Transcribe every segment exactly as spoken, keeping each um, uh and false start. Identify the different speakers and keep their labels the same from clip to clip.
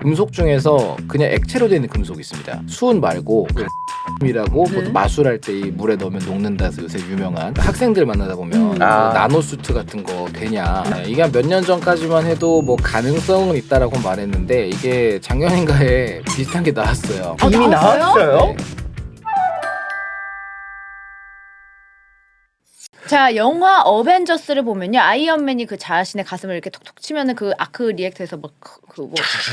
Speaker 1: 금속 중에서 그냥 액체로 되어 있는 금속이 있습니다. 수은 말고 그 이라고
Speaker 2: 네.
Speaker 1: 마술할 때 이 물에 넣으면 녹는다 해서 요새 유명한 학생들 만나다 보면
Speaker 2: 음.
Speaker 1: 그
Speaker 3: 아.
Speaker 1: 나노수트 같은 거 되냐, 네, 이게 몇 년 전까지만 해도 뭐 가능성은 있다라고 말했는데 이게 작년인가에 비슷한 게 나왔어요.
Speaker 2: 아,
Speaker 3: 이미
Speaker 2: 나왔어요?
Speaker 3: 나왔어요?
Speaker 1: 네.
Speaker 2: 자, 영화 어벤져스를 보면요, 아이언맨이 그 자신의 가슴을 이렇게 톡톡 치면은 그 아크 리액터에서 막그뭐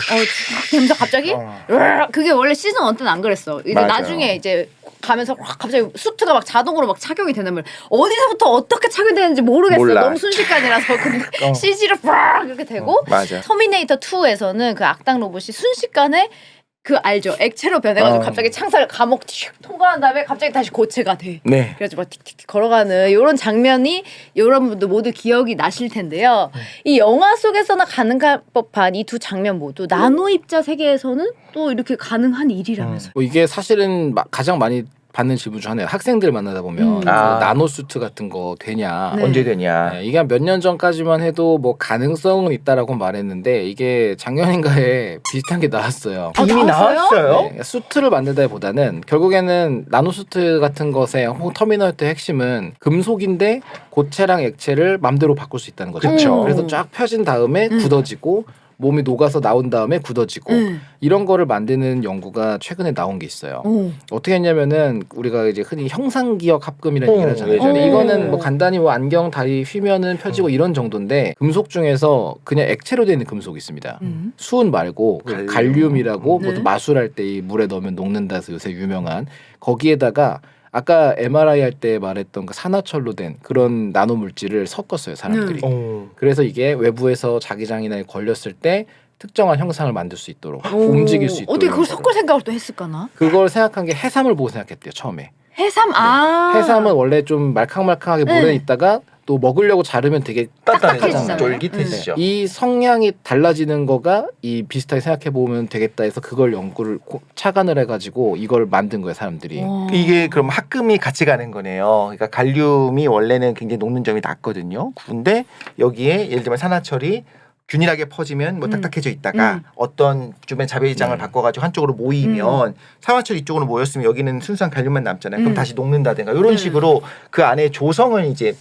Speaker 2: 어, 되면서 갑자기 으악, 그게 원래 시즌 일 때는 안 그랬어. 이제
Speaker 3: 맞아요.
Speaker 2: 나중에 이제 가면서 확 갑자기 수트가 막 자동으로 막 착용이 되는 걸 어디서부터 어떻게 착용되는지 모르겠어.
Speaker 3: 몰라.
Speaker 2: 너무 순식간이라서 근데
Speaker 3: 어.
Speaker 2: 씨지로 막 이렇게 되고
Speaker 3: 맞아.
Speaker 2: 터미네이터 투에서는 그 악당 로봇이 순식간에 그 알죠? 액체로 변해가지고
Speaker 3: 어.
Speaker 2: 갑자기 창살 감옥 튀 통과한 다음에 갑자기 다시 고체가 돼.
Speaker 3: 네.
Speaker 2: 그래가지고 막 틱틱틱 걸어가는 이런 장면이 여러분도 모두 기억이 나실 텐데요. 이 영화 속에서나 가능할 법한 이 두 장면 모두 나노 입자 세계에서는 또 이렇게 가능한 일이라면서요.
Speaker 1: 뭐 이게 사실은 마- 가장 많이 받는 질문 중 하나예요. 학생들 만나다 보면
Speaker 2: 음.
Speaker 1: 그
Speaker 3: 아.
Speaker 1: 나노수트 같은 거 되냐.
Speaker 2: 네.
Speaker 3: 언제 되냐?
Speaker 1: 네, 이게 몇 년 전까지만 해도 뭐 가능성은 있다라고 말했는데 이게 작년인가에 비슷한 게 나왔어요.
Speaker 2: 아,
Speaker 3: 이미
Speaker 2: 나왔어요?
Speaker 3: 나왔어요?
Speaker 1: 네, 수트를 만들다기보다는 결국에는 나노수트 같은 것의 혹은 터미널트의 핵심은 금속인데 고체랑 액체를 맘대로 바꿀 수 있다는 거죠.
Speaker 3: 그쵸.
Speaker 1: 그래서 쫙 펴진 다음에
Speaker 2: 음.
Speaker 1: 굳어지고 몸이 녹아서 나온 다음에 굳어지고
Speaker 2: 음.
Speaker 1: 이런 거를 만드는 연구가 최근에 나온 게 있어요.
Speaker 2: 오.
Speaker 1: 어떻게 했냐면은 우리가 이제 흔히 형상기억 합금이라는
Speaker 3: 오,
Speaker 1: 얘기를 하잖아요.
Speaker 3: 예전에.
Speaker 1: 근데 이거는
Speaker 2: 오.
Speaker 1: 뭐 간단히 뭐 안경 다리 휘면은 펴지고 이런 정도인데 금속 중에서 그냥 액체로 되어 있는 금속이 있습니다.
Speaker 2: 음.
Speaker 1: 수은 말고 그
Speaker 3: 갈륨.
Speaker 1: 갈륨이라고
Speaker 2: 네.
Speaker 1: 뭐 마술할 때 이 물에 넣으면 녹는다 해서 요새 유명한 거기에다가 아까 엠알아이 할 때 말했던 그 산화철로 된 그런 나노 물질을 섞었어요, 사람들이.
Speaker 2: 네.
Speaker 3: 오.
Speaker 1: 그래서 이게 외부에서 자기장이나 걸렸을 때 특정한 형상을 만들 수 있도록
Speaker 2: 오.
Speaker 1: 움직일 수 있도록
Speaker 2: 어떻게 그걸 섞을 생각을 또 했을까나?
Speaker 1: 그걸 생각한 게 해삼을 보고 생각했대요, 처음에.
Speaker 2: 해삼 아.
Speaker 1: 해삼은 원래 좀 말캉말캉하게
Speaker 2: 네.
Speaker 1: 물에 있다가 또 먹으려고 자르면 되게
Speaker 3: 딱딱해지잖아요.
Speaker 2: 딱딱해지잖아요.
Speaker 3: 쫄깃해지죠.
Speaker 1: 이 성향이 달라지는 거가 이 비슷하게 생각해 보면 되겠다 해서 그걸 연구를 고- 착안을 해가지고 이걸 만든 거예요, 사람들이.
Speaker 2: 와.
Speaker 3: 이게 그럼 합금이 같이 가는 거네요. 그러니까 갈륨이 원래는 굉장히 녹는 점이 낮거든요. 근데 여기에 예를 들면 산화철이 균일하게 퍼지면 뭐
Speaker 2: 음.
Speaker 3: 딱딱해져 있다가
Speaker 2: 음.
Speaker 3: 어떤 주변 자배장을
Speaker 1: 음.
Speaker 3: 바꿔가지고 한쪽으로 모이면 산화철 이쪽으로 모였으면 여기는 순수한 갈륨만 남잖아요. 그럼
Speaker 2: 음.
Speaker 3: 다시 녹는다든가 이런
Speaker 2: 음.
Speaker 3: 식으로 그 안에 조성을 이제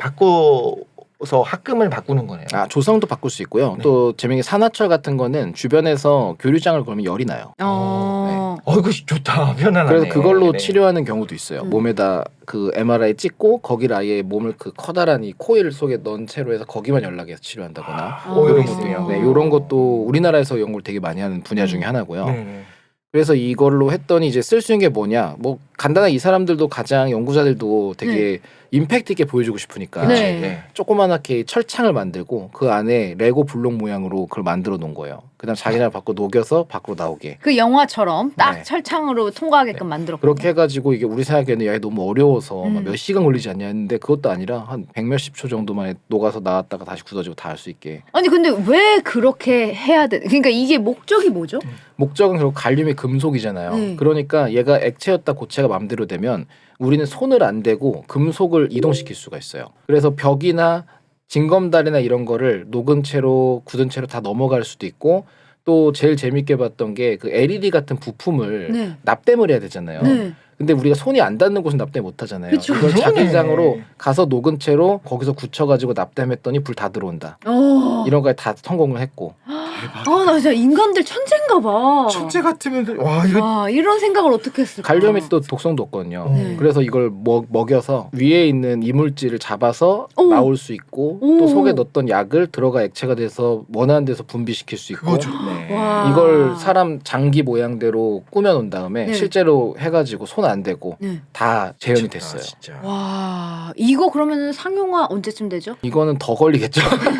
Speaker 3: 바꿔서 합금을 바꾸는 거네요.
Speaker 1: 아, 조성도 바꿀 수 있고요.
Speaker 3: 네.
Speaker 1: 또 재밌게 산화철 같은 거는 주변에서 교류장을 걸면 열이 나요.
Speaker 2: 어.
Speaker 3: 어, 이거 좋다. 편안하네.
Speaker 1: 그래서 그걸로
Speaker 3: 네.
Speaker 1: 치료하는 경우도 있어요.
Speaker 2: 음.
Speaker 1: 몸에다 그 엠알아이 찍고 거기를 아예 몸을 그 커다란 이 코일 속에 넣은 채로 해서 거기만 연락해서 치료한다거나
Speaker 3: 어,
Speaker 2: 아.
Speaker 3: 이런 것도 있네요.
Speaker 1: 네, 이런 것도 우리나라에서 연구를 되게 많이 하는 분야
Speaker 2: 음.
Speaker 1: 중에 하나고요.
Speaker 3: 네.
Speaker 1: 그래서 이걸로 했더니 이제 쓸 수 있는 게 뭐냐? 뭐 간단하게 이 사람들도 가장 연구자들도 되게 임팩트 있게 보여주고 싶으니까
Speaker 2: 네.
Speaker 3: 네.
Speaker 1: 조그만하게 철창을 만들고 그 안에 레고 블록 모양으로 그걸 만들어 놓은 거예요. 그다음 자기네가 밖으로 녹여서 밖으로 나오게.
Speaker 2: 그 영화처럼 딱
Speaker 1: 네.
Speaker 2: 철창으로 통과하게끔 만들었고.
Speaker 1: 그렇게 해가지고 이게 우리 생각에는 야 이거 너무 어려워서
Speaker 2: 음.
Speaker 1: 막몇 시간 걸리지 않냐 했는데 그것도 아니라 한 백몇십 초 정도만에 녹아서 나왔다가 다시 굳어지고 다 할 수 있게.
Speaker 2: 아니 근데 왜 그렇게 해야 돼? 그러니까 이게 목적이 뭐죠?
Speaker 1: 목적은 결국 갈륨이 금속이잖아요.
Speaker 2: 네.
Speaker 1: 그러니까 얘가 액체였다 고체가 맘대로 되면 우리는 손을 안 대고 금속을 이동시킬 수가 있어요. 그래서 벽이나 징검다리나 이런 거를 녹은 채로 굳은 채로 다 넘어갈 수도 있고 또 제일 재밌게 봤던 게 그 엘이디 같은 부품을
Speaker 2: 네.
Speaker 1: 납땜을 해야 되잖아요.
Speaker 2: 네.
Speaker 1: 근데 우리가 손이 안 닿는 곳은 납땜 못 하잖아요.
Speaker 2: 그쵸.
Speaker 1: 이걸
Speaker 3: 그러네.
Speaker 1: 자기장으로 가서 녹은 채로 거기서 굳혀가지고 납땜했더니 불 다 들어온다.
Speaker 2: 어.
Speaker 1: 이런 거에 다 성공을 했고.
Speaker 2: 아, 나 진짜 인간들 천재인가 봐.
Speaker 3: 천재 같으면 와 이거
Speaker 2: 와, 이런 생각을 어떻게 했을까?
Speaker 1: 갈륨이 또 독성도 없거든요.
Speaker 2: 네.
Speaker 1: 그래서 이걸 먹, 먹여서 위에 있는 이물질을 잡아서
Speaker 2: 오.
Speaker 1: 나올 수 있고
Speaker 2: 오.
Speaker 1: 또 속에 넣었던 약을 들어가 액체가 돼서 원하는 데서 분비시킬 수 있고
Speaker 3: 그거 좋네.
Speaker 2: 와.
Speaker 1: 이걸 사람 장기 모양대로 꾸며 놓은 다음에
Speaker 2: 네.
Speaker 1: 실제로 해가지고 손 안 대고
Speaker 2: 네.
Speaker 1: 다 재현이
Speaker 3: 미쳤다,
Speaker 1: 됐어요.
Speaker 3: 진짜.
Speaker 2: 와, 이거 그러면은 상용화 언제쯤 되죠?
Speaker 1: 이거는 더 걸리겠죠.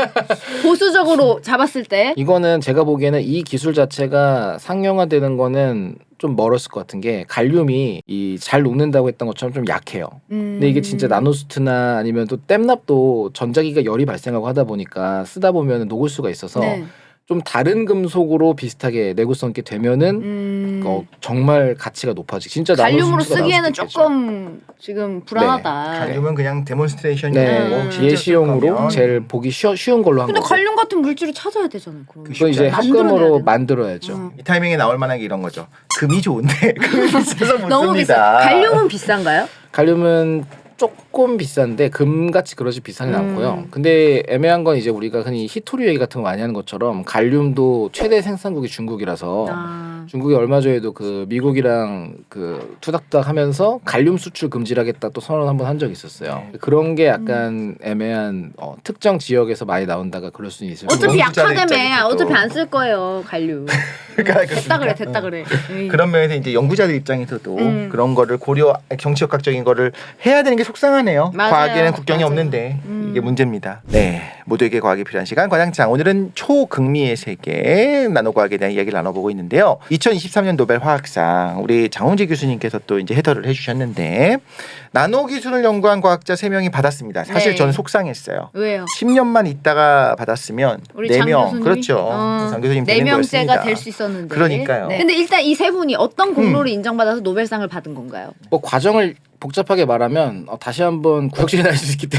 Speaker 2: 보수적으로 잡았을 때.
Speaker 1: 이거는 제가 보기에는 이 기술 자체가 상용화되는 거는 좀 멀었을 것 같은 게 갈륨이 이 잘 녹는다고 했던 것처럼 좀 약해요.
Speaker 2: 음.
Speaker 1: 근데 이게 진짜 나노수트나 아니면 또 땜납도 전자기가 열이 발생하고 하다 보니까 쓰다 보면 녹을 수가 있어서
Speaker 2: 네.
Speaker 1: 좀 다른 금속으로 비슷하게 내구성 있게 되면은
Speaker 2: 음.
Speaker 1: 어, 정말 가치가 높아지. 진짜 나노
Speaker 2: 갈륨으로
Speaker 1: 수치가 나올
Speaker 2: 쓰기에는
Speaker 1: 수도 있겠죠.
Speaker 2: 조금 지금 불안하다.
Speaker 3: 갈륨은 그냥 데몬스트레이션이고
Speaker 1: 네,
Speaker 2: 음.
Speaker 3: 실제
Speaker 1: 예시용으로
Speaker 3: 쓸 거면
Speaker 1: 제일 보기 쉬, 쉬운 걸로 한
Speaker 2: 근데
Speaker 1: 거고.
Speaker 2: 갈륨 같은 물질을 찾아야 되잖아요. 그럼.
Speaker 3: 그
Speaker 1: 그거 이제
Speaker 2: 만들어내야
Speaker 1: 합금으로
Speaker 2: 되나?
Speaker 1: 만들어야죠.
Speaker 2: 음.
Speaker 3: 이 타이밍에 나올 만한 게 이런 거죠. 금이 좋은데 금이 비싸서 못
Speaker 2: 너무 비싸.
Speaker 3: 씁니다.
Speaker 2: 갈륨은 비싼가요?
Speaker 1: 갈륨은 조금 비싼데 금같이 그러지 비싸진
Speaker 2: 음.
Speaker 1: 않고요. 근데 애매한 건 이제 우리가 흔히 히토류 얘기 같은 거 많이 하는 것처럼 갈륨도 최대 생산국이 중국이라서
Speaker 2: 아.
Speaker 1: 중국이 얼마 전에도 그 미국이랑 그 투닥투닥 하면서 갈륨 수출 금지하겠다 또 선언 한번 한 적이 있었어요.
Speaker 3: 네.
Speaker 1: 그런 게 약간 애매한 어, 특정 지역에서 많이 나온다가 그럴 수는 있을 수
Speaker 2: 어차피
Speaker 3: 연구자들
Speaker 2: 약하다며.
Speaker 3: 입장에서도.
Speaker 2: 어차피 안 쓸 거예요. 갈륨.
Speaker 3: 그러니까
Speaker 2: 됐다 그래.
Speaker 3: 그렇습니까?
Speaker 2: 됐다 그래. 에이.
Speaker 3: 그런 면에서 이제 연구자들 입장에서도
Speaker 2: 음.
Speaker 3: 그런 거를 고려 정치역학적인 거를 해야 되는 게 속상하네요.
Speaker 2: 맞아요.
Speaker 3: 과학에는 국경이
Speaker 2: 맞아요.
Speaker 3: 없는데
Speaker 2: 음.
Speaker 3: 이게 문제입니다. 네, 모두에게 과학이 필요한 시간 과장창. 오늘은 초극미의 세계 나노과학에 대한 이야기를 나눠보고 있는데요. 이천이십삼 년 노벨 화학상 우리 장홍재 교수님께서 또 이제 해설을 해주셨는데 나노 기술을 연구한 과학자 세 명이 받았습니다. 사실
Speaker 2: 네.
Speaker 3: 저는 속상했어요.
Speaker 2: 왜요?
Speaker 3: 십 년만 있다가 받았으면
Speaker 2: 우리
Speaker 3: 네
Speaker 2: 장
Speaker 3: 명
Speaker 2: 교수님이?
Speaker 3: 그렇죠.
Speaker 2: 어,
Speaker 3: 장 교수님
Speaker 2: 네
Speaker 3: 되는
Speaker 2: 명째가
Speaker 3: 거였습니다.
Speaker 2: 될 수 있었는데.
Speaker 3: 그러니까요.
Speaker 2: 네. 근데 일단 이 세 분이 어떤 공로를 인정받아서 노벨상을 받은 건가요?
Speaker 1: 뭐 과정을 복잡하게 말하면 어, 다시 한번 구역질이 날 수 있기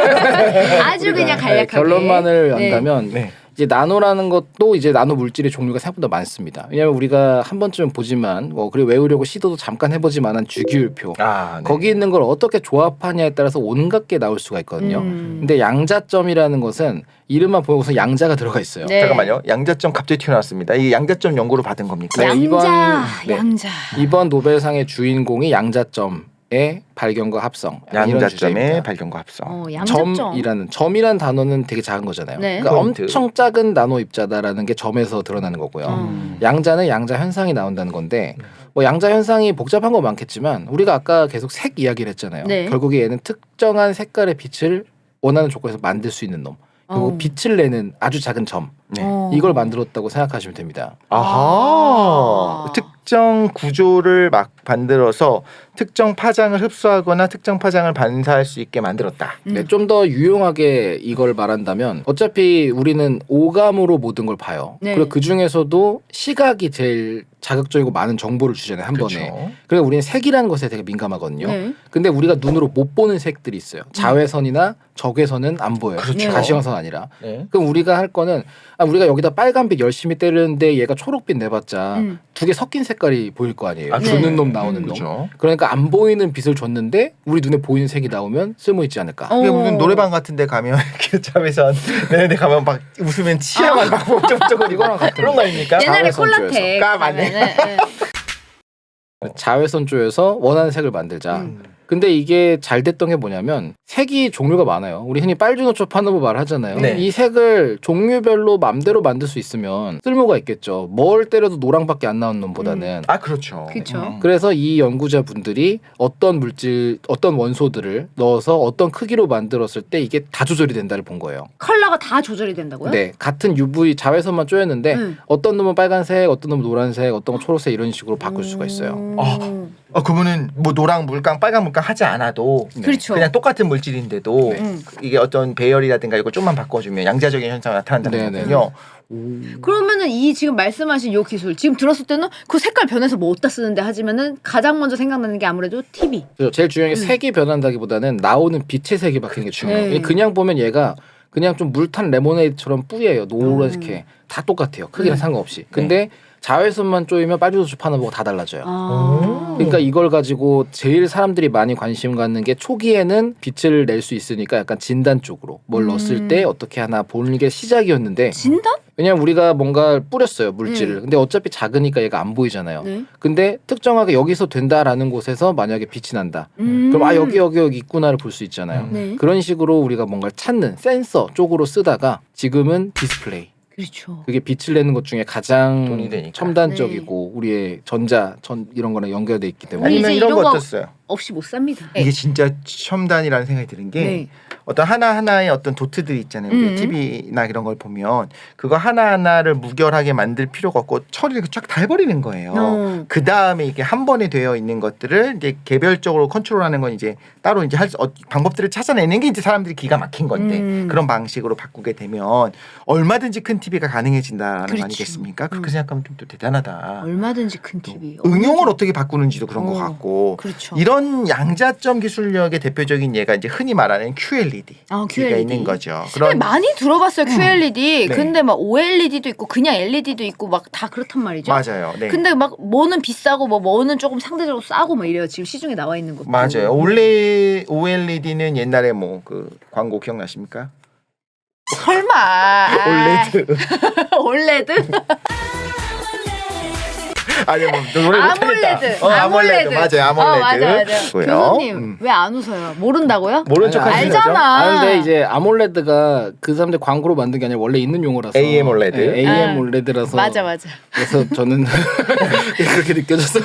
Speaker 1: 때문에
Speaker 2: 아주 그냥
Speaker 1: 네,
Speaker 2: 간략하게.
Speaker 1: 결론만을
Speaker 2: 네.
Speaker 1: 한다면
Speaker 3: 네.
Speaker 1: 이제 나노라는 것도 이제 나노 물질의 종류가 생각보다 많습니다. 왜냐하면 우리가 한 번쯤 보지만 뭐 그리고 외우려고 시도도 잠깐 해보지만한 주기율표
Speaker 3: 아, 네.
Speaker 1: 거기 있는 걸 어떻게 조합하냐에 따라서 온갖 게 나올 수가 있거든요.
Speaker 2: 음.
Speaker 1: 근데 양자점이라는 것은 이름만 보고서 양자가 들어가 있어요.
Speaker 2: 네.
Speaker 3: 잠깐만요. 양자점 갑자기 튀어나왔습니다. 이게 양자점 연구로 받은 겁니까?
Speaker 1: 네,
Speaker 2: 양자,
Speaker 1: 이번- 네.
Speaker 2: 양자.
Speaker 1: 이번 노벨상의 주인공이 양자점의 발견과 합성 이런
Speaker 3: 양자점의
Speaker 1: 주제입니다.
Speaker 3: 발견과 합성.
Speaker 2: 어, 양자점.
Speaker 1: 점이라는 점이라는 단어는 되게 작은 거잖아요.
Speaker 2: 네.
Speaker 1: 그러니까
Speaker 3: 포인트.
Speaker 1: 엄청 작은 나노 입자다라는 게 점에서 드러나는 거고요.
Speaker 2: 음.
Speaker 1: 양자는 양자 현상이 나온다는 건데 뭐 양자 현상이 복잡한 거 많겠지만 우리가 아까 계속 색 이야기를 했잖아요.
Speaker 2: 네.
Speaker 1: 결국에 얘는 특정한 색깔의 빛을 원하는 조건에서 만들 수 있는 놈. 그리고
Speaker 2: 어.
Speaker 1: 빛을 내는 아주 작은 점.
Speaker 3: 네.
Speaker 2: 어.
Speaker 1: 이걸 만들었다고 생각하시면 됩니다.
Speaker 3: 아하.
Speaker 2: 아.
Speaker 3: 특정 구조를 막 만들어서 특정 파장을 흡수하거나 특정 파장을 반사할 수 있게 만들었다.
Speaker 2: 음.
Speaker 1: 네, 좀 더 유용하게 이걸 말한다면 어차피 우리는 오감으로 모든 걸 봐요.
Speaker 2: 네.
Speaker 1: 그리고 그 중에서도 시각이 제일 자극적이고 많은 정보를 주잖아요. 한
Speaker 3: 그렇죠.
Speaker 1: 번에. 그래서 우리는 색이라는 것에 되게 민감하거든요.
Speaker 2: 네.
Speaker 1: 근데 우리가 눈으로 못 보는 색들이 있어요. 자외선이나 적외선은 안 보여요.
Speaker 3: 그렇죠.
Speaker 1: 가시광선 아니라.
Speaker 3: 네.
Speaker 1: 그럼 우리가 할 거는 아, 우리가 여기다 빨간빛 열심히 때리는데 얘가 초록빛 내봤자
Speaker 2: 음.
Speaker 1: 두 개 섞인 색깔이 보일 거 아니에요.
Speaker 3: 아,
Speaker 1: 주는
Speaker 2: 네.
Speaker 1: 놈 나오는
Speaker 2: 음.
Speaker 1: 놈.
Speaker 3: 그렇죠.
Speaker 1: 그러니까 안 보이는 빛을 줬는데 우리 눈에 보이는 색이 나오면 쓸모 있지 않을까.
Speaker 2: 어.
Speaker 3: 이게 무슨 노래방 같은 데 가면 이렇게 자외선 내는 데 가면 막 웃으면 치아만 막 어쩌고저쩌고 이거랑 같은 그런 거 아닙니까?
Speaker 2: 옛날에
Speaker 1: 자외선
Speaker 2: 콜라텍.
Speaker 3: 아, 맞네.
Speaker 2: 가면은, 네.
Speaker 1: 자외선 쪽에서 원하는 색을 만들자.
Speaker 2: 음.
Speaker 1: 근데 이게 잘 됐던 게 뭐냐면 색이 종류가 많아요. 우리 흔히 빨주노초 파노브 말하잖아요.
Speaker 3: 네.
Speaker 1: 이 색을 종류별로 맘대로 만들 수 있으면 쓸모가 있겠죠. 뭘 때려도 노랑밖에 안 나오는 놈보다는.
Speaker 3: 아 그렇죠.
Speaker 2: 그쵸.
Speaker 3: 음.
Speaker 1: 그래서 이 연구자분들이 어떤 물질, 어떤 원소들을 넣어서 어떤 크기로 만들었을 때 이게 다 조절이 된다를 본 거예요.
Speaker 2: 컬러가 다 조절이 된다고요?
Speaker 1: 네, 같은 유브이 자외선만 쪼였는데
Speaker 2: 음.
Speaker 1: 어떤 놈은 빨간색, 어떤 놈은 노란색, 어떤 건 초록색 이런 식으로 바꿀 수가 있어요.
Speaker 2: 음.
Speaker 3: 아. 어 그러면은 뭐 노랑 물감, 빨간 물감 하지 않아도
Speaker 1: 네.
Speaker 2: 그렇죠.
Speaker 3: 그냥 똑같은 물질인데도
Speaker 1: 네.
Speaker 2: 음.
Speaker 3: 이게 어떤 배열이라든가 이걸 좀만 바꿔주면 양자적인 현상이 나타난다는
Speaker 1: 네, 네.
Speaker 3: 거군요.
Speaker 2: 그러면은 이 지금 말씀하신 요 기술 지금 들었을 때는 그 색깔 변해서 뭐 어디다 쓰는데 하지만은 가장 먼저 생각나는 게 아무래도 티비.
Speaker 1: 그래서 제일 중요한 게
Speaker 2: 음.
Speaker 1: 색이 변한다기보다는 나오는 빛의 색이 바뀌는 게 중요해요.
Speaker 2: 네.
Speaker 1: 그냥 보면 얘가 그냥 좀 물탄 레모네이드처럼 뿌예요. 노랗게 다 똑같아요. 크기는
Speaker 2: 음.
Speaker 1: 상관없이. 근데 자외선만 쪼이면 빨주노초 파노브가 다 달라져요.
Speaker 2: 아.
Speaker 1: 그러니까 이걸 가지고 제일 사람들이 많이 관심 갖는 게 초기에는 빛을 낼 수 있으니까 약간 진단 쪽으로 뭘
Speaker 2: 음.
Speaker 1: 넣었을 때 어떻게 하나 보는 게 시작이었는데
Speaker 2: 진단?
Speaker 1: 왜냐면 우리가 뭔가 뿌렸어요 물질을.
Speaker 2: 음.
Speaker 1: 근데 어차피 작으니까 얘가 안 보이잖아요.
Speaker 2: 네.
Speaker 1: 근데 특정하게 여기서 된다라는 곳에서 만약에 빛이 난다.
Speaker 2: 음.
Speaker 1: 그럼 아 여기 여기 여기 있구나를 볼 수 있잖아요.
Speaker 2: 네.
Speaker 1: 그런 식으로 우리가 뭔가를 찾는 센서 쪽으로 쓰다가 지금은 디스플레이.
Speaker 2: 그렇죠.
Speaker 1: 그게 빛을 내는 것 중에 가장
Speaker 3: 돈이 되니까.
Speaker 1: 첨단적이고 우리의 전자 전 이런 거랑 연결돼 있기 때문에
Speaker 2: 우리
Speaker 3: 아니면
Speaker 2: 이제
Speaker 3: 이런
Speaker 2: 이런
Speaker 3: 거
Speaker 2: 거-
Speaker 3: 어땠어요?
Speaker 2: 없이 못 삽니다.
Speaker 3: 이게 진짜 첨단이라는 생각이 드는 게
Speaker 2: 네.
Speaker 3: 어떤 하나하나의 어떤 도트들 있잖아요. 우리
Speaker 2: 음.
Speaker 3: 티비나 이런 걸 보면 그거 하나하나를 무결하게 만들 필요가 없고 처리를 쫙 다 해버리는 거예요.
Speaker 2: 어.
Speaker 3: 그 다음에 이게 한 번에 되어 있는 것들을 이제 개별적으로 컨트롤하는 건 이제 따로 이제 할 수, 어, 방법들을 찾아내는 게 이제 사람들이 기가 막힌 건데
Speaker 2: 음.
Speaker 3: 그런 방식으로 바꾸게 되면 얼마든지 큰 티비가 가능해진다는
Speaker 2: 그렇죠.
Speaker 3: 거 아니겠습니까? 그렇게
Speaker 2: 음.
Speaker 3: 생각하면 좀 또 대단하다.
Speaker 2: 얼마든지 큰 티비.
Speaker 3: 응용을 어떻게 바꾸는지도 그런
Speaker 2: 어.
Speaker 3: 것 같고
Speaker 2: 그렇죠.
Speaker 3: 이런 양자점 기술력의 대표적인 예가 이제 흔히 말하는 큐엘이디.
Speaker 2: 아,
Speaker 3: 가
Speaker 2: 큐엘이디.
Speaker 3: 있는 거죠.
Speaker 2: 근데
Speaker 3: 그런
Speaker 2: 많이 들어봤어요 큐엘이디.
Speaker 3: 네.
Speaker 2: 근데 막 오엘이디도 있고 그냥 엘이디도 있고 막 다 그렇단 말이죠.
Speaker 3: 맞아요. 네.
Speaker 2: 근데 막 뭐는 비싸고 뭐 뭐는 조금 상대적으로 싸고 막 이래요. 지금 시중에 나와 있는 것도.
Speaker 3: 맞아요. 원래 오엘이디는 옛날에 뭐 그 광고 기억나십니까?
Speaker 2: 설마.
Speaker 3: 올레드.
Speaker 2: 올레드?
Speaker 3: 아니 뭐 노래 못하겠다.
Speaker 2: 아몰레드.
Speaker 3: 어, 아몰레드. 맞아요. 아몰레드.
Speaker 2: 어, 맞아, 맞아.
Speaker 3: 고요.
Speaker 2: 교수님
Speaker 3: 음.
Speaker 2: 왜 안 웃어요? 모른다고요?
Speaker 3: 모른 척
Speaker 1: 아니,
Speaker 3: 하시는 거죠?
Speaker 2: 알잖아.
Speaker 1: 아 근데 이제 아몰레드가 그 사람들 광고로 만든 게 아니라 원래 있는 용어라서
Speaker 3: 에이엠 올레드.
Speaker 1: 네, 에이엠
Speaker 2: 아.
Speaker 1: 올레드라서
Speaker 2: 맞아 맞아.
Speaker 1: 그래서 저는 그렇게 느껴져서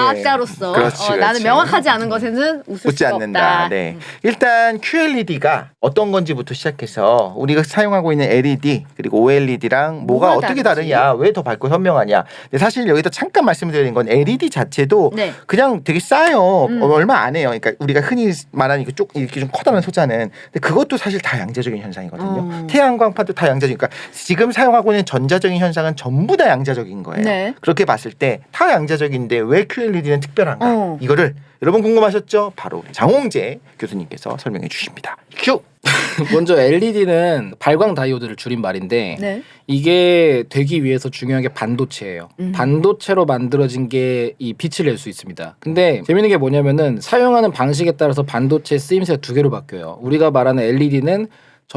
Speaker 2: 과학자로서
Speaker 3: 그렇지,
Speaker 2: 어, 나는
Speaker 3: 그렇지.
Speaker 2: 명확하지 않은 것에는 웃을
Speaker 3: 웃지
Speaker 2: 수가
Speaker 3: 않는다.
Speaker 2: 없다.
Speaker 3: 네. 일단 큐엘이디가 어떤 건지부터 시작해서 우리가 사용하고 있는 엘이디 그리고 오엘이디랑 뭐가,
Speaker 2: 뭐가
Speaker 3: 어떻게
Speaker 2: 다르지?
Speaker 3: 다르냐, 왜 더 밝고 현명하냐. 근데 사실 여기서 잠깐 말씀드리는 건 엘이디 자체도
Speaker 2: 네.
Speaker 3: 그냥 되게 싸요.
Speaker 2: 음.
Speaker 3: 어, 얼마 안 해요. 그러니까 우리가 흔히 말하는 이렇게 쭉 이렇게 좀 커다란 소자는 근데 그것도 사실 다 양자적인 현상이거든요.
Speaker 2: 어.
Speaker 3: 태양광판도 다 양자적인. 그러니까 지금 사용하고 있는 전자적인 현상은 전부 다 양자적인 거예요.
Speaker 2: 네.
Speaker 3: 그렇게 봤을 때 다 양자적인데 왜 큐엘이디는 특별한가?
Speaker 2: 어.
Speaker 3: 이거를 여러분 궁금하셨죠? 바로 우리 장홍재 교수님께서 설명해 주십니다. 큐.
Speaker 1: 먼저 엘이디는 발광 다이오드를 줄인 말인데
Speaker 2: 네.
Speaker 1: 이게 되기 위해서 중요한 게 반도체예요.
Speaker 2: 음.
Speaker 1: 반도체로 만들어진 게 이 빛을 낼 수 있습니다. 근데 재밌는 게 뭐냐면은 사용하는 방식에 따라서 반도체 쓰임새가 두 개로 바뀌어요. 우리가 말하는 엘이디는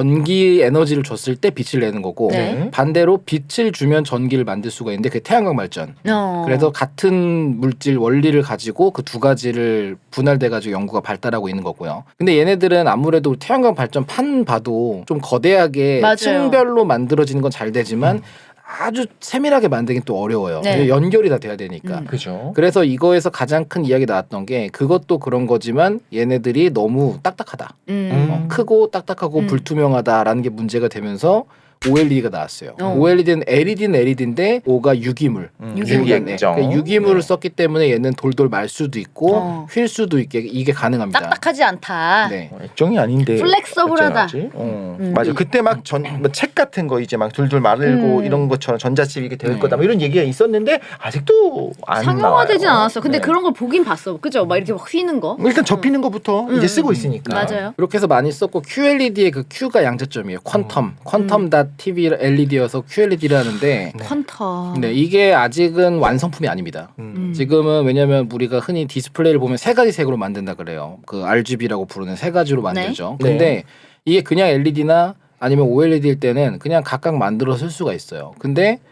Speaker 1: 전기 에너지를 줬을 때 빛을 내는 거고
Speaker 2: 네.
Speaker 1: 반대로 빛을 주면 전기를 만들 수가 있는데 그게 태양광 발전.
Speaker 2: 어.
Speaker 1: 그래서 같은 물질 원리를 가지고 그 두 가지를 분할돼 가지고 연구가 발달하고 있는 거고요. 근데 얘네들은 아무래도 태양광 발전 판 봐도 좀 거대하게
Speaker 2: 맞아요.
Speaker 1: 층별로 만들어지는 건 잘 되지만 아주 세밀하게 만들긴 또 어려워요.
Speaker 2: 네.
Speaker 1: 연결이 다 돼야 되니까.
Speaker 2: 음.
Speaker 3: 그죠.
Speaker 1: 그래서 이거에서 가장 큰 이야기 나왔던 게 그것도 그런 거지만 얘네들이 너무 딱딱하다.
Speaker 2: 음.
Speaker 1: 어, 크고 딱딱하고
Speaker 2: 음.
Speaker 1: 불투명하다라는 게 문제가 되면서 오엘이디가 나왔어요.
Speaker 2: 어.
Speaker 1: 오엘이디는 엘이디는 엘이디인데 O가 유기물.
Speaker 3: 음,
Speaker 2: 유기물.
Speaker 3: 유기액정.
Speaker 1: 그러니까 유기물을
Speaker 3: 네.
Speaker 1: 썼기 때문에 얘는 돌돌 말 수도 있고
Speaker 2: 어.
Speaker 1: 휠 수도 있게 이게 가능합니다.
Speaker 2: 딱딱하지 않다.
Speaker 1: 네.
Speaker 3: 어, 액정이 아닌데
Speaker 2: 플렉서블하다.
Speaker 3: 어쩌지? 어.
Speaker 2: 음.
Speaker 3: 맞아. 그때 막 전 뭐 책 같은 거 이제 막 둘둘 마르고
Speaker 2: 음.
Speaker 3: 이런 것처럼 전자칩 이게 될
Speaker 1: 네.
Speaker 3: 거다. 뭐 이런 얘기가 있었는데 아직도 안
Speaker 2: 상용화되진
Speaker 3: 나와요.
Speaker 2: 않았어. 근데
Speaker 3: 네.
Speaker 2: 그런 걸 보긴 봤어. 그죠? 막 이렇게 막 휘는 거.
Speaker 3: 일단 접히는 것부터
Speaker 2: 음.
Speaker 3: 이제 쓰고 있으니까.
Speaker 2: 맞아요.
Speaker 1: 그렇게 해서 많이 썼고 큐엘이디의 그 Q가 양자점이에요. 퀀텀. 퀀텀 닷 티비 엘이디여서 큐엘이디를 하는데
Speaker 2: 퀀텀.
Speaker 1: 네, 이게 아직은 완성품이 아닙니다.
Speaker 3: 음.
Speaker 1: 지금은 왜냐면 우리가 흔히 디스플레이를 보면 세 가지 색으로 만든다 그래요. 그 알지비라고 부르는 세 가지로 만들죠.
Speaker 3: 네.
Speaker 1: 근데
Speaker 3: 네.
Speaker 1: 이게 그냥 엘이디나 아니면 오엘이디일 때는 그냥 각각 만들어 쓸 수가 있어요. 근데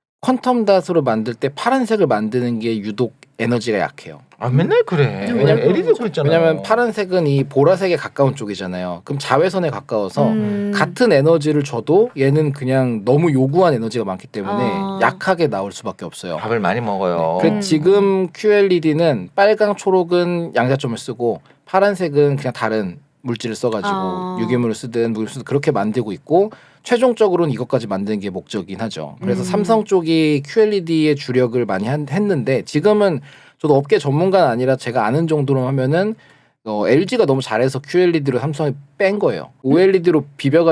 Speaker 1: 퀀텀 닷으로 만들 때 파란색을 만드는 게 유독 에너지가 약해요.
Speaker 3: 아 맨날 그래.
Speaker 2: 음,
Speaker 3: 왜냐면
Speaker 2: 왜냐면
Speaker 3: 엘이디도 그랬잖아.
Speaker 1: 왜냐면 파란색은 이 보라색에 가까운 쪽이잖아요. 그럼 자외선에 가까워서
Speaker 2: 음.
Speaker 1: 같은 에너지를 줘도 얘는 그냥 너무 요구한 에너지가 많기 때문에
Speaker 2: 아.
Speaker 1: 약하게 나올 수밖에 없어요.
Speaker 3: 밥을 많이 먹어요.
Speaker 1: 그
Speaker 2: 음.
Speaker 1: 지금 큐엘이디는 빨강, 초록은 양자점을 쓰고 파란색은 그냥 다른 물질을 써가지고
Speaker 2: 아.
Speaker 1: 유기물을 쓰든 물 쓰든 그렇게 만들고 있고 최종적으로는 이것까지 만드는 게 목적이긴 하죠. 그래서
Speaker 2: 음.
Speaker 1: 삼성 쪽이 큐엘이디에 주력을 많이 한, 했는데 지금은 저도 업계 전문가는 아니라 제가 아는 정도로 하면은 어, 엘지가 너무 잘해서 큐엘이디로 삼성이 뺀 거예요. 오엘이디로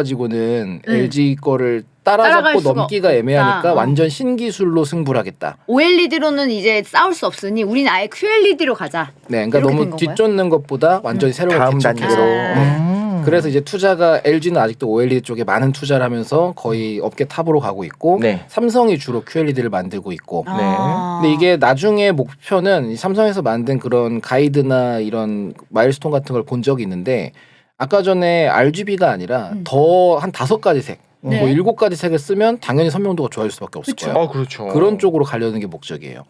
Speaker 1: 비벼가지고는
Speaker 2: 음.
Speaker 1: 엘지 거를
Speaker 2: 따라갈
Speaker 1: 따라잡고
Speaker 2: 수가
Speaker 1: 넘기가
Speaker 2: 없다.
Speaker 1: 애매하니까
Speaker 2: 어.
Speaker 1: 완전 신기술로 승부를 하겠다.
Speaker 2: 오엘이디로는 이제 싸울 수 없으니 우리는 아예 큐엘이디로 가자.
Speaker 1: 네, 그러니까
Speaker 2: 이렇게 된
Speaker 1: 너무
Speaker 2: 건가요?
Speaker 1: 뒤쫓는 것보다 완전히 새로운
Speaker 3: 다음
Speaker 1: 개척해서.
Speaker 3: 단계로.
Speaker 2: 아.
Speaker 3: 음.
Speaker 1: 그래서 이제 투자가 엘지는 아직도 오엘이디 쪽에 많은 투자를 하면서 거의 업계 탑으로 가고 있고
Speaker 3: 네.
Speaker 1: 삼성이 주로 큐엘이디를 만들고 있고.
Speaker 2: 아.
Speaker 1: 근데 이게 나중에 목표는 이 삼성에서 만든 그런 가이드나 이런 마일스톤 같은 걸 본 적이 있는데 아까 전에 알지비가 아니라
Speaker 2: 음.
Speaker 1: 더 한 다섯 가지 색,
Speaker 2: 네.
Speaker 1: 뭐 일곱 가지 색을 쓰면 당연히 선명도가 좋아질 수밖에 없을
Speaker 2: 그쵸.
Speaker 1: 거예요.
Speaker 3: 아 그렇죠.
Speaker 1: 그런 쪽으로 가려는 게 목적이에요.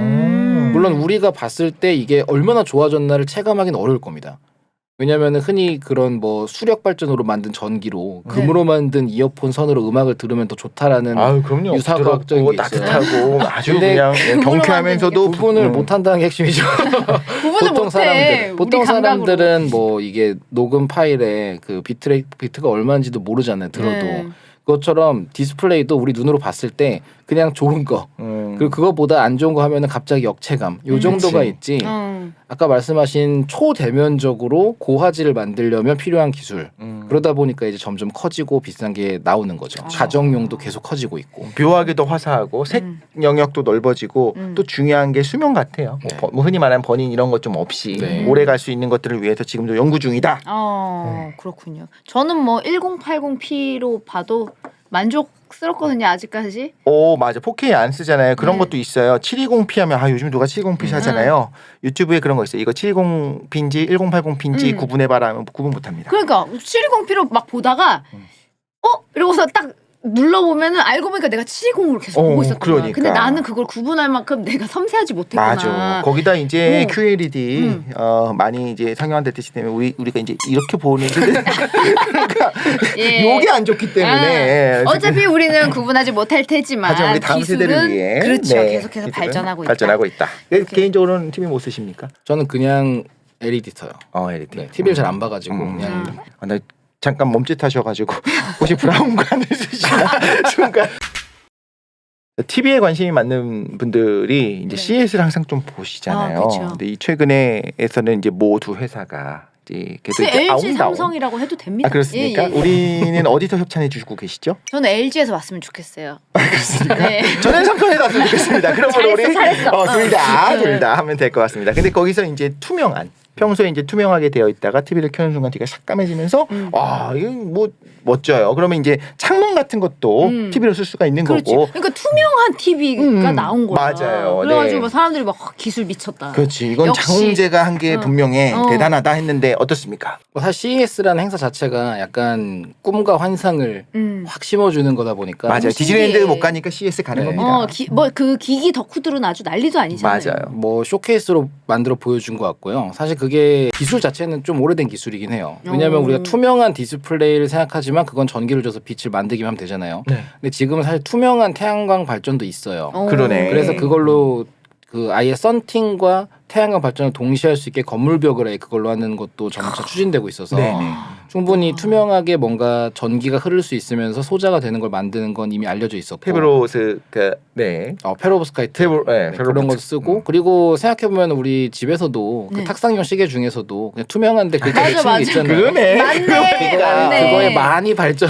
Speaker 2: 음.
Speaker 1: 물론 우리가 봤을 때 이게 얼마나 좋아졌나를 체감하기는 어려울 겁니다. 왜냐면은 흔히 그런 뭐 수력 발전으로 만든 전기로
Speaker 2: 네.
Speaker 1: 금으로 만든 이어폰 선으로 음악을 들으면 더 좋다라는
Speaker 3: 아유 그럼요.
Speaker 1: 유사과학적인
Speaker 3: 부드럽고
Speaker 1: 게 있어요.
Speaker 3: 따뜻하고 아주
Speaker 1: 근데
Speaker 3: 그냥
Speaker 2: 그걸로
Speaker 3: 경쾌하면서도
Speaker 1: 구분을
Speaker 3: 음.
Speaker 1: 못 한다는 게 핵심이죠.
Speaker 2: 구분 구분을
Speaker 1: 보통
Speaker 2: 못해.
Speaker 1: 사람들, 보통
Speaker 2: 우리 감각으로.
Speaker 1: 사람들은 뭐 이게 녹음 파일에 그 비트레 비트가 얼마인지도 모르잖아요. 들어도
Speaker 2: 네.
Speaker 1: 그것처럼 디스플레이도 우리 눈으로 봤을 때 그냥 좋은 거
Speaker 3: 음.
Speaker 1: 그리고 그거보다 안 좋은 거 하면은 갑자기 역체감 요
Speaker 2: 음.
Speaker 1: 정도가
Speaker 3: 그치.
Speaker 1: 있지.
Speaker 2: 음.
Speaker 1: 아까 말씀하신 초대면적으로 고화질을 만들려면 필요한 기술.
Speaker 3: 음.
Speaker 1: 그러다 보니까 이제 점점 커지고 비싼 게 나오는 거죠. 가정용도 계속 커지고 있고.
Speaker 3: 묘하게 더 화사하고 색
Speaker 2: 음.
Speaker 3: 영역도 넓어지고
Speaker 2: 음.
Speaker 3: 또 중요한 게 수명 같아요. 뭐
Speaker 1: 네.
Speaker 3: 버- 뭐 흔히 말하는 버닝 이런 것 좀 없이
Speaker 1: 네.
Speaker 3: 오래 갈 수 있는 것들을 위해서 지금도 연구 중이다.
Speaker 2: 어 그렇군요. 저는 뭐 천팔십 피로 봐도 만족스럽거든요 아직까지.
Speaker 3: 오 맞아 포케이 안 쓰잖아요. 그런
Speaker 2: 네.
Speaker 3: 것도 있어요. 칠백이십 피 하면 아 요즘 누가 칠백이십 피
Speaker 1: 음.
Speaker 3: 하잖아요. 유튜브에 그런 거 있어요. 이거 칠백이십 피인지 천팔십 피인지
Speaker 2: 음.
Speaker 3: 구분해봐라 하면 구분 못합니다.
Speaker 2: 그러니까 칠백이십 피로 막 보다가
Speaker 3: 음.
Speaker 2: 어 이러고서 딱 눌러보면은 알고 보니까 내가 칠백이십으로 계속
Speaker 3: 어,
Speaker 2: 보고 있었던 거야.
Speaker 3: 그러니까.
Speaker 2: 근데 나는 그걸 구분할 만큼 내가 섬세하지 못했구나.
Speaker 3: 맞아. 거기다 이제
Speaker 2: 어.
Speaker 3: 큐엘이디
Speaker 2: 음.
Speaker 3: 어, 많이 이제 상용화됐기 때문에 우리 우리가 이제 이렇게 보는데 그러니까
Speaker 2: 예.
Speaker 3: 요게 안 좋기 때문에
Speaker 2: 아, 어차피 우리는 구분하지 못할 테지만
Speaker 3: 하지만 우리 다음
Speaker 2: 기술은
Speaker 3: 세대를 위해
Speaker 2: 그렇죠.
Speaker 3: 네,
Speaker 2: 계속해서
Speaker 3: 기술은
Speaker 2: 발전하고 있다.
Speaker 3: 발전하고 있다.
Speaker 2: 이렇게.
Speaker 3: 개인적으로는 티비 못 쓰십니까?
Speaker 1: 저는 그냥 엘이디 써요.
Speaker 3: 어, 엘이디.
Speaker 1: 네, 티비를 잘 안 봐가지고
Speaker 3: 음.
Speaker 1: 그냥
Speaker 2: 음.
Speaker 3: 아, 나 잠깐 멈칫하셔가지고 혹시 브라운관을 쓰시나 순간. 티비에 관심이 많은 분들이 이제
Speaker 2: 네.
Speaker 3: 씨이에스를 항상 좀 보시잖아요.
Speaker 2: 아, 그쵸.
Speaker 3: 근데 이 최근에에서는 이제 모두 회사가 이제 계속
Speaker 2: 근데
Speaker 3: 이제
Speaker 2: 엘지
Speaker 3: 아웅다운.
Speaker 2: 삼성이라고 해도 됩니다.
Speaker 3: 아 그렇습니까?
Speaker 2: 예, 예.
Speaker 3: 우리는 어디서 협찬해 주고 계시죠?
Speaker 2: 저는 엘지에서 왔으면 좋겠어요.
Speaker 3: 그렇습니까?
Speaker 2: 네.
Speaker 3: 저는 삼성에 갔으면 좋겠습니다. 그러면
Speaker 2: 잘했어,
Speaker 3: 우리
Speaker 2: 잘했어.
Speaker 3: 어, 둘 다,
Speaker 2: 어.
Speaker 3: 둘 다 하면 될 것 같습니다. 근데 거기서 이제 투명한 평소에 이제 투명하게 되어 있다가 티비를 켜는 순간 뒤가 삭감해지면서
Speaker 2: 음.
Speaker 3: 아 이거 뭐 멋져요. 그러면 이제 창문 같은 것도
Speaker 2: 음.
Speaker 3: 티비로 쓸 수가 있는
Speaker 2: 그렇지.
Speaker 3: 거고.
Speaker 2: 그러니까 투명한 티비가
Speaker 3: 음,
Speaker 2: 나온 거야.
Speaker 3: 맞아요.
Speaker 2: 그래가지고
Speaker 3: 네.
Speaker 2: 막 사람들이 막 아, 기술 미쳤다.
Speaker 3: 그렇지. 이건
Speaker 2: 역시.
Speaker 3: 장훈재가 한 게
Speaker 2: 어.
Speaker 3: 분명해
Speaker 2: 어.
Speaker 3: 대단하다 했는데 어떻습니까?
Speaker 1: 뭐 사실 씨이에스라는 행사 자체가 약간 꿈과 환상을
Speaker 2: 음.
Speaker 1: 확 심어주는 거다 보니까
Speaker 3: 맞아요.
Speaker 2: 신기해.
Speaker 3: 디즈니랜드 못 가니까 씨이에스 가는
Speaker 1: 네.
Speaker 3: 겁니다.
Speaker 2: 어, 뭐 그 기기 덕후들은 아주 난리도 아니잖아요.
Speaker 3: 맞아요.
Speaker 1: 뭐 쇼케이스로 만들어 보여준 것 같고요. 사실 그게 기술 자체는 좀 오래된 기술이긴 해요. 왜냐하면
Speaker 2: 오.
Speaker 1: 우리가 투명한 디스플레이를 생각하지만 그건 전기를 줘서 빛을 만들기만 하면 되잖아요.
Speaker 3: 네.
Speaker 1: 근데 지금은 사실 투명한 태양광 발전도 있어요.
Speaker 2: 어.
Speaker 3: 그러네.
Speaker 1: 그래서 그걸로 그 아예 썬팅과 태양광 발전을 동시에 할 수 있게 건물벽을 아예 그걸로 하는 것도 점차 추진되고 있어서
Speaker 3: 네네.
Speaker 1: 충분히 투명하게 뭔가 전기가 흐를 수 있으면서 소자가 되는 걸 만드는 건 이미 알려져 있었고
Speaker 3: 페브로스 그 네.
Speaker 1: 어, 페로브스카이트
Speaker 3: 페브로 네,
Speaker 1: 네, 그런 걸 쓰고
Speaker 3: 음.
Speaker 1: 그리고 생각해 보면 우리 집에서도
Speaker 2: 네.
Speaker 1: 그 탁상용 시계 중에서도 그냥 투명한데 그렇게
Speaker 2: 맞아,
Speaker 1: 맺힌
Speaker 2: 맞아.
Speaker 1: 게 있잖아요.
Speaker 3: 그러네.
Speaker 2: 맞네,
Speaker 1: 그러니까
Speaker 2: 맞네.
Speaker 1: 그거에 많이 발전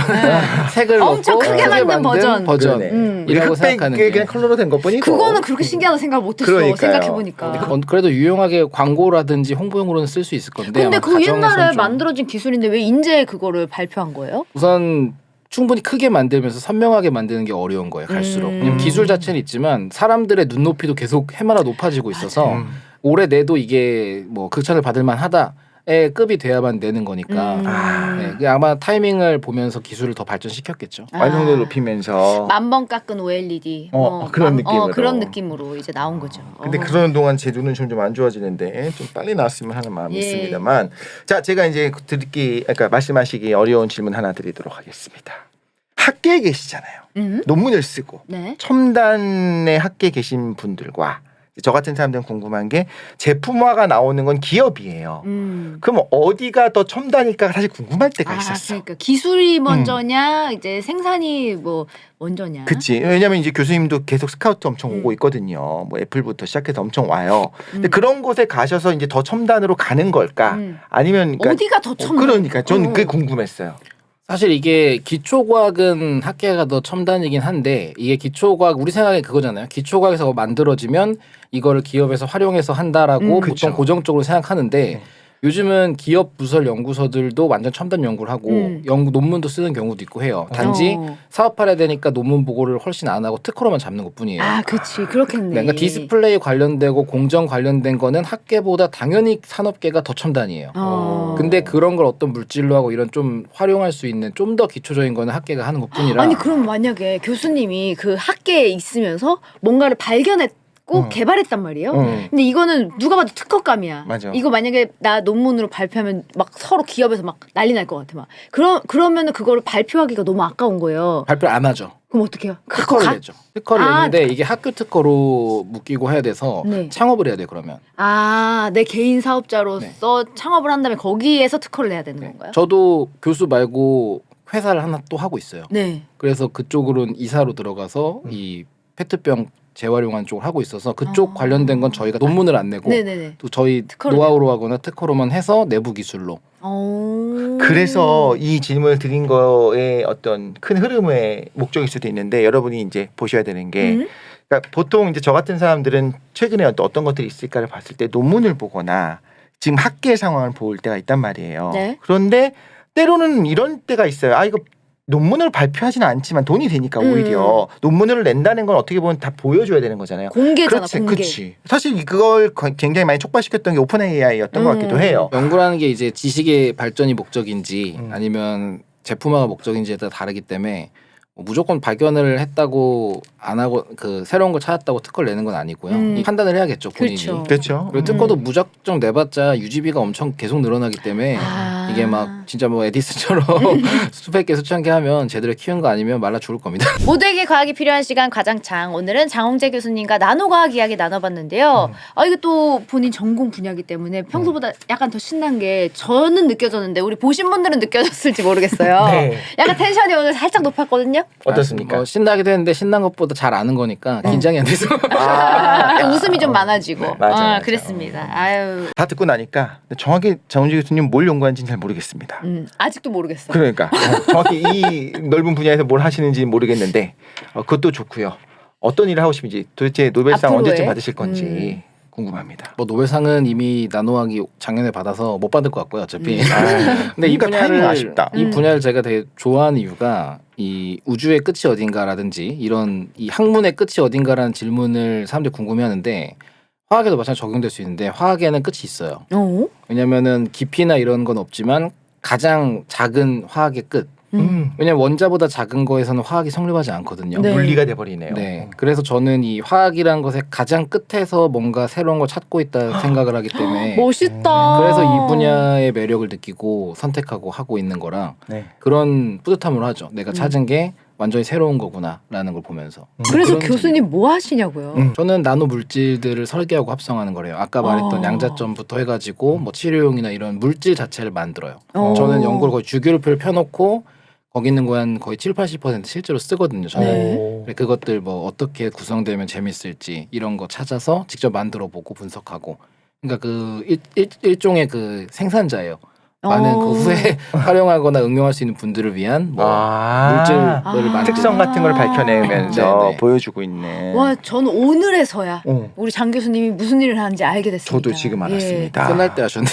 Speaker 1: 색을
Speaker 2: 엄청
Speaker 1: 넣고
Speaker 2: 크게 만든 버전.
Speaker 1: 버전
Speaker 3: 그러네.
Speaker 2: 음.
Speaker 1: 이라고
Speaker 3: 흑백
Speaker 1: 생각하는
Speaker 3: 그게
Speaker 1: 게
Speaker 3: 그냥 컬러로 된 것뿐이고.
Speaker 2: 그거는 그렇게 신기하다 생각 못했어.
Speaker 3: 그러니까요.
Speaker 2: 생각해 보니까.
Speaker 1: 어, 그래도 유용하게 광고라든지 홍보용으로는 쓸 수 있을 건데
Speaker 2: 근데
Speaker 1: 아마
Speaker 2: 그
Speaker 1: 가정에선
Speaker 2: 옛날에
Speaker 1: 좀
Speaker 2: 만들어진 기술인데 왜 인제 그거를 발표한 거예요?
Speaker 1: 우선 충분히 크게 만들면서 선명하게 만드는 게 어려운 거예요. 갈수록.
Speaker 2: 음.
Speaker 1: 왜냐면 기술 자체는 있지만 사람들의 눈높이도 계속 해마다 높아지고 있어서
Speaker 3: 음.
Speaker 1: 올해 내도 이게 뭐 극찬을 받을 만하다의 급이 돼야만 내는 거니까
Speaker 2: 음.
Speaker 3: 아.
Speaker 1: 네, 그게 아마 타이밍을 보면서 기술을 더 발전시켰겠죠.
Speaker 3: 완성도
Speaker 2: 아.
Speaker 3: 높이면서.
Speaker 2: 만번 깎은 오엘이디.
Speaker 3: 어, 그런 느낌으로.
Speaker 2: 어, 그런 느낌으로 이제 나온 거죠.
Speaker 3: 근데
Speaker 2: 어.
Speaker 3: 그러는 동안 제 눈은 점점 안 좋아지는데 좀 빨리 나왔으면 하는 마음이
Speaker 2: 예.
Speaker 3: 있습니다만 자 제가 이제 듣기 그러니까 말씀하시기 어려운 질문 하나 드리도록 하겠습니다. 학계에 계시잖아요.
Speaker 2: 음?
Speaker 3: 논문을 쓰고
Speaker 2: 네.
Speaker 3: 첨단의 학계에 계신 분들과 저 같은 사람들은 궁금한 게 제품화가 나오는 건 기업이에요.
Speaker 2: 음.
Speaker 3: 그럼 어디가 더 첨단일까 사실 궁금할 때가
Speaker 2: 아,
Speaker 3: 있었어.
Speaker 2: 그러니까 기술이 먼저냐, 이제 생산이 뭐 먼저냐.
Speaker 3: 그치. 왜냐면 이제 교수님도 계속 스카우트 엄청
Speaker 2: 음.
Speaker 3: 오고 있거든요. 뭐 애플부터 시작해서 엄청 와요. 근데
Speaker 2: 음.
Speaker 3: 그런 곳에 가셔서 이제 더 첨단으로 가는 걸까?
Speaker 2: 음.
Speaker 3: 아니면 그러니까
Speaker 2: 어디가 더 첨단?
Speaker 3: 그러니까 전 그게
Speaker 2: 어.
Speaker 3: 궁금했어요.
Speaker 1: 사실 이게 기초과학은 학계가 더 첨단이긴 한데 이게 기초과학 우리 생각에 그거잖아요. 기초과학에서 만들어지면 이거를 기업에서 활용해서 한다라고
Speaker 2: 음.
Speaker 1: 보통
Speaker 3: 그쵸.
Speaker 1: 고정적으로 생각하는데
Speaker 3: 네.
Speaker 1: 요즘은 기업 부설 연구소들도 완전 첨단 연구를 하고
Speaker 2: 음.
Speaker 1: 연구 논문도 쓰는 경우도 있고 해요. 단지
Speaker 2: 어.
Speaker 1: 사업화해야 되니까 논문 보고를 훨씬 안 하고 특허로만 잡는 것뿐이에요.
Speaker 2: 아, 그치. 그렇겠네.
Speaker 1: 네, 그러니까 디스플레이 관련되고 공정 관련된 거는 학계보다 당연히 산업계가 더 첨단이에요.
Speaker 2: 어.
Speaker 1: 근데 그런 걸 어떤 물질로 하고 이런 좀 활용할 수 있는 좀 더 기초적인 거는 학계가 하는 것뿐이라.
Speaker 2: 아니 그럼 만약에 교수님이 그 학계에 있으면서 뭔가를 발견했고 갖고
Speaker 3: 음.
Speaker 2: 개발했단 말이에요.
Speaker 3: 음.
Speaker 2: 근데 이거는 누가 봐도 특허감이야.
Speaker 3: 맞아.
Speaker 2: 이거 만약에 나 논문으로 발표하면 막 서로 기업에서 막 난리 날 것 같아. 막 그러 그러면은 그거를 발표하기가 너무 아까운 거예요.
Speaker 1: 발표 안 하죠.
Speaker 2: 그럼 어떡해요?
Speaker 1: 특허를
Speaker 2: 가-
Speaker 1: 내죠. 특허를
Speaker 2: 아,
Speaker 1: 내는데 이게 학교 특허로 묶이고 해야 돼서
Speaker 2: 네.
Speaker 1: 창업을 해야 돼 그러면.
Speaker 2: 아, 내 개인 사업자로서 창업을 한 다음에 거기에서 특허를 내야 되는
Speaker 1: 네.
Speaker 2: 건가요?
Speaker 1: 저도 교수 말고 회사를 하나 또 하고 있어요.
Speaker 2: 네.
Speaker 1: 그래서 그쪽으로는 이사로 들어가서
Speaker 3: 음.
Speaker 1: 이 페트병 재활용하는 쪽을 하고 있어서 그쪽
Speaker 2: 아.
Speaker 1: 관련된 건 저희가 논문을 안 내고
Speaker 2: 네네네.
Speaker 1: 또 저희
Speaker 2: 특허로
Speaker 1: 노하우로 하거나 특허로만 해서 내부 기술로.
Speaker 2: 오.
Speaker 3: 그래서 이 질문을 드린 거에 어떤 큰 흐름의 목적일 수도 있는데 여러분이 이제 보셔야 되는 게
Speaker 2: 음?
Speaker 3: 그러니까 보통 이제 저 같은 사람들은 최근에 어떤 어떤 것들이 있을까를 봤을 때 논문을 보거나 지금 학계 상황을 볼 때가 있단 말이에요.
Speaker 2: 네.
Speaker 3: 그런데 때로는 이런 때가 있어요. 아 이거 논문을 발표하지는 않지만 돈이 되니까
Speaker 2: 음.
Speaker 3: 오히려 논문을 낸다는 건 어떻게 보면 다 보여줘야 되는 거잖아요.
Speaker 2: 공개잖아,
Speaker 3: 그렇지,
Speaker 2: 공개.
Speaker 3: 그렇지. 사실 그걸 거- 굉장히 많이 촉발시켰던 게 오픈 에이아이였던 것
Speaker 2: 음.
Speaker 3: 같기도 해요.
Speaker 1: 연구라는 게 이제 지식의 발전이 목적인지
Speaker 3: 음.
Speaker 1: 아니면 제품화가 목적인지에 따라 다르기 때문에 뭐 무조건 발견을 했다고 안 하고 그 새로운 걸 찾았다고 특허를 내는 건 아니고요.
Speaker 2: 음.
Speaker 1: 이 판단을 해야겠죠 본인이.
Speaker 2: 그렇죠.
Speaker 3: 그렇죠.
Speaker 1: 그리고
Speaker 3: 음.
Speaker 1: 특허도 무작정 내봤자 유지비가 엄청 계속 늘어나기 때문에
Speaker 2: 아.
Speaker 1: 이게 막 진짜 뭐 에디슨처럼 수백 개 수천 개 하면 제대로 키운 거 아니면 말라 죽을 겁니다.
Speaker 2: 모두에게 과학이 필요한 시간 과장창. 오늘은 장홍재 교수님과 나노과학 이야기 나눠봤는데요.
Speaker 3: 음.
Speaker 2: 아 이게 또 본인 전공 분야이기 때문에 평소보다 약간 더 신난 게 저는 느껴졌는데 우리 보신 분들은 느껴졌을지 모르겠어요.
Speaker 3: 네.
Speaker 2: 약간 텐션이 오늘 살짝 높았거든요.
Speaker 3: 어떻습니까?
Speaker 1: 아, 뭐 신나기도 했는데 신난 것보다 잘 아는 거니까 긴장이 안 돼서.
Speaker 3: 아.
Speaker 2: 웃음이 좀 많아지고.
Speaker 3: 네, 맞아,
Speaker 2: 아,
Speaker 3: 맞아.
Speaker 2: 그랬습니다. 아유,
Speaker 3: 다 듣고 나니까 정확히 장훈재 교수님 뭘 연구하는지는 잘 모르겠습니다.
Speaker 2: 음, 아직도 모르겠어.
Speaker 3: 그러니까 어, 정확히 이 넓은 분야에서 뭘 하시는지 모르겠는데 어, 그것도 좋고요. 어떤 일을 하고 싶은지 도대체 노벨상
Speaker 2: 앞으로의?
Speaker 3: 언제쯤 받으실 건지 궁금합니다.
Speaker 1: 뭐 노벨상은 이미 나노학이 작년에 받아서 못 받을 것 같고요 어차피.
Speaker 3: 아,
Speaker 1: 근데 이
Speaker 3: 그러니까 타이밍
Speaker 1: 분야를
Speaker 3: 아쉽다.
Speaker 1: 이
Speaker 2: 음.
Speaker 1: 분야를 제가 되게 좋아하는 이유가 이 우주의 끝이 어딘가라든지 이런 이 학문의 끝이 어딘가라는 질문을 사람들이 궁금해하는데 화학에도 마찬가지로 적용될 수 있는데 화학에는 끝이 있어요.
Speaker 2: 어?
Speaker 1: 왜냐면은 깊이나 이런 건 없지만 가장 작은 화학의 끝.
Speaker 3: 음.
Speaker 1: 왜냐면 원자보다 작은 거에서는 화학이 성립하지 않거든요.
Speaker 2: 네.
Speaker 3: 물리가 돼버리네요.
Speaker 1: 네. 그래서 저는 이 화학이란 것의 가장 끝에서 뭔가 새로운 걸 찾고 있다 생각을 하기 때문에
Speaker 2: 멋있다.
Speaker 1: 그래서 이 분야의 매력을 느끼고 선택하고 하고 있는 거라
Speaker 3: 네.
Speaker 1: 그런 뿌듯함을 하죠. 내가
Speaker 2: 음.
Speaker 1: 찾은 게 완전히 새로운 거구나라는 걸 보면서.
Speaker 2: 그래서
Speaker 1: 그런
Speaker 2: 교수님 뭐 하시냐고요?
Speaker 3: 음.
Speaker 1: 저는 나노 물질들을 설계하고 합성하는 거래요. 아까 말했던
Speaker 2: 아.
Speaker 1: 양자점부터 해가지고 뭐 치료용이나 이런 물질 자체를 만들어요.
Speaker 2: 어.
Speaker 1: 저는 연구를 거의 주기율표를 펴놓고 거기 있는 거 한 거의 칠, 팔십 퍼센트 실제로 쓰거든요. 저는.
Speaker 2: 네.
Speaker 3: 오.
Speaker 1: 그래, 그것들 뭐 어떻게 구성되면 재밌을지 이런 거 찾아서 직접 만들어 보고 분석하고. 그러니까 그 일, 일, 일종의 그 생산자예요. 많은
Speaker 2: 어.
Speaker 1: 그 후에 활용하거나 응용할 수 있는 분들을 위한 뭐
Speaker 3: 아.
Speaker 1: 물질을
Speaker 2: 아.
Speaker 1: 만들
Speaker 3: 특성 같은 걸 밝혀내면서
Speaker 1: 네, 네.
Speaker 3: 보여주고 있는.
Speaker 2: 와, 저는 오늘에서야
Speaker 3: 어.
Speaker 2: 우리 장 교수님이 무슨 일을 하는지 알게 됐습니다.
Speaker 3: 저도 지금 알았습니다.
Speaker 1: 끝날 때 하셨는데.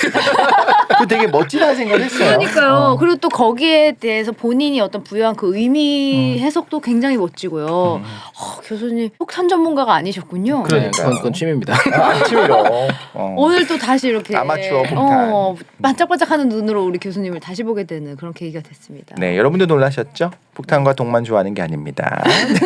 Speaker 3: 그 되게 멋지다는 생각을 했어요.
Speaker 2: 그러니까요.
Speaker 3: 어.
Speaker 2: 그리고 또 거기에 대해서 본인이 어떤 부여한 그 의미 해석도 굉장히 멋지고요.
Speaker 3: 음.
Speaker 2: 어, 교수님 폭탄 전문가가 아니셨군요.
Speaker 3: 그래.
Speaker 1: 네, 그건, 그건 취미입니다.
Speaker 3: 아침으로. 어.
Speaker 2: 오늘 또 다시 이렇게
Speaker 3: 아마추어 폭탄.
Speaker 2: 어, 반짝반짝하는 눈으로 우리 교수님을 다시 보게 되는 그런 계기가 됐습니다.
Speaker 3: 네, 여러분도 놀라셨죠? 폭탄과 독만 좋아하는 게 아닙니다.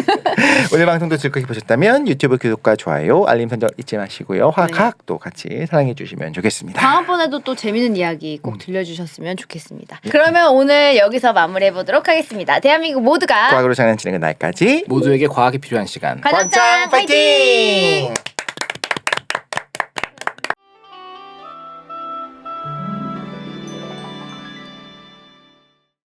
Speaker 3: 오늘 방송도 즐겁게 보셨다면 유튜브 구독과 좋아요, 알림 설정 잊지 마시고요. 화학도 같이 사랑해 주시면 좋겠습니다.
Speaker 2: 다음번에도 또 재밌는 이야기 꼭 들려주셨으면 좋겠습니다. 그러면 오늘 여기서 마무리해 보도록 하겠습니다. 대한민국 모두가
Speaker 3: 과학으로 장난치는 그날까지
Speaker 1: 모두에게 과학이 필요한 시간.
Speaker 2: 과장짱 파이팅!